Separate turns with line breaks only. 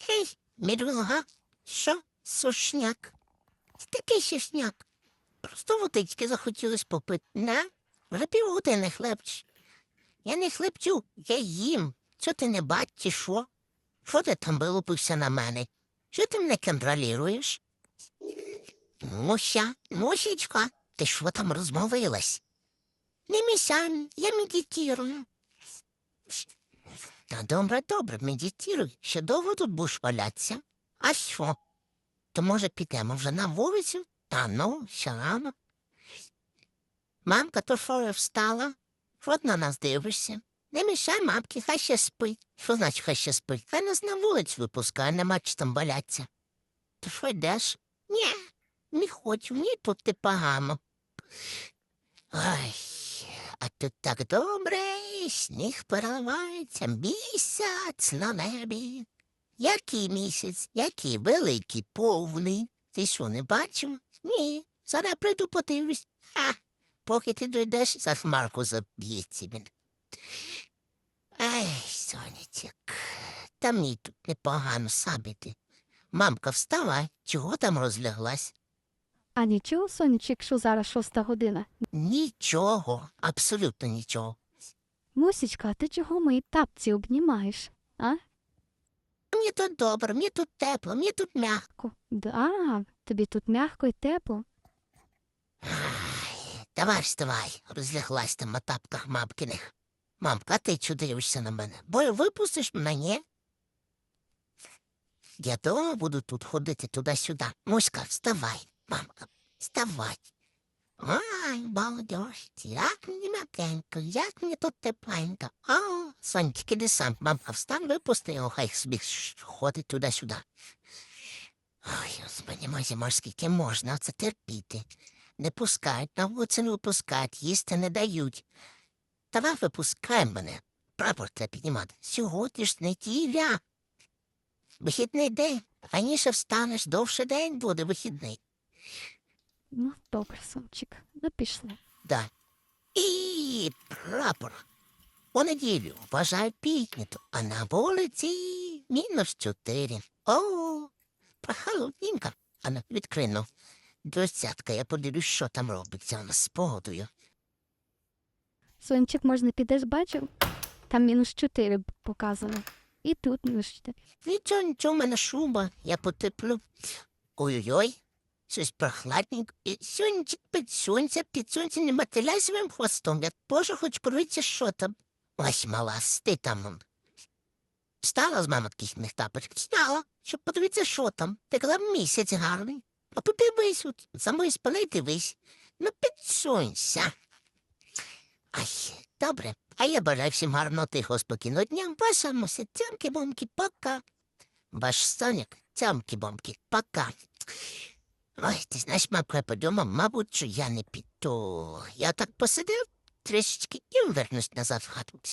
Гей, мідруга, що? Сушняк. Такий сушняк. Просто водички захотілось попити. На, вже півгодини хлебч. Я не хлебчу, я їм. Що ти не бачиш, що? Що ти там вилупився на мене? Що ти мене контролюєш? Муся, Мусічка, ти що там розмовилась? Не місяй, я медитирую. Та добре, медитируй. Ще довго тут будеш валятися? А що? То, може, підемо вже на вулицю? Та ну, ще рано. Мамка то що встала? От на нас дивишся. Не мішай мамки, хай ще спить. Що значить хай ще спить? Хай нас на вулицю випускає, нема чи там валяться. То що йдеш? Ні, не хочу, мені тут ти погано. Ой, а тут так добре, сніг переливається, місяць на небі. Який місяць, який великий, повний. Ти що, не бачив? Ні, зараз прийду подивлюсь. Поки ти дійдеш, за хмарку заб'ється він. Ай, сонечек, та мені тут непогано сабити. Мамка, вставай, чого там розляглась?
А нічого, сонечко, якщо зараз 6 година.
Нічого, абсолютно нічого.
Мусічка, а ти чого мої тапці обнімаєш? А?
Мені тут добре, мені тут тепло, мені тут м'яко.
Да, тобі тут м'яко і тепло.
Давай вставай, розляглась там на тапках мамкиних. Мамка, а ти чого дивишся на мене? Бо випустиш мене, ні? Я дома буду тут ходити туди-сюди. Муська, вставай, мамка, вставай. Ой, молодежь, як мені м'якенько, як мені тут тепленько. О, сонечки, іди сам, мамка, встань, випусти його, хай собі ходить туди-сюди. Ой, господи, мой скільки можна це терпіти. Не пускають, на вулицю не випускають, їсти не дають. Давай випускай мене, прапор треба піднімати. Сьогодні ж неділя. Вихідний день, раніше встанеш, довше день буде вихідний.
Ну, добре, сончик, ну пішли.
Да. І прапор. У неділю вважають піднято, а на вулиці -4. О, прохолодненько. А ну, відкрину. Десятка, я подивлюсь, що там робиться у нас з погодою.
Сончик, можна підеш, бачив? Там -4 показано. І тут -4.
Нічого, в мене шуба, я потеплю. Ой-ой-ой, щось прохладненько. І сонечек під сонцем не мотиляй своїм хвостом. Я теж хочу подивитися, що там. Ось, мала, ти там. Встала з мами таких тапочок? Встала, щоб подивитися, що там. Ти казав, місяць гарний. А подивись, от, самої спали дивись. Ну, підсунься. Ай, добре. А я бажаю всім гарного, тихого, спокійного дня. Ваша Муся, цямки-бомки, пока. Ваш Соняк, цямки-бомки, пока. Ой, ти знаєш, мамка, я подумав, мабуть, що я не піду. Я так посидив трішечки і вернусь назад в хату.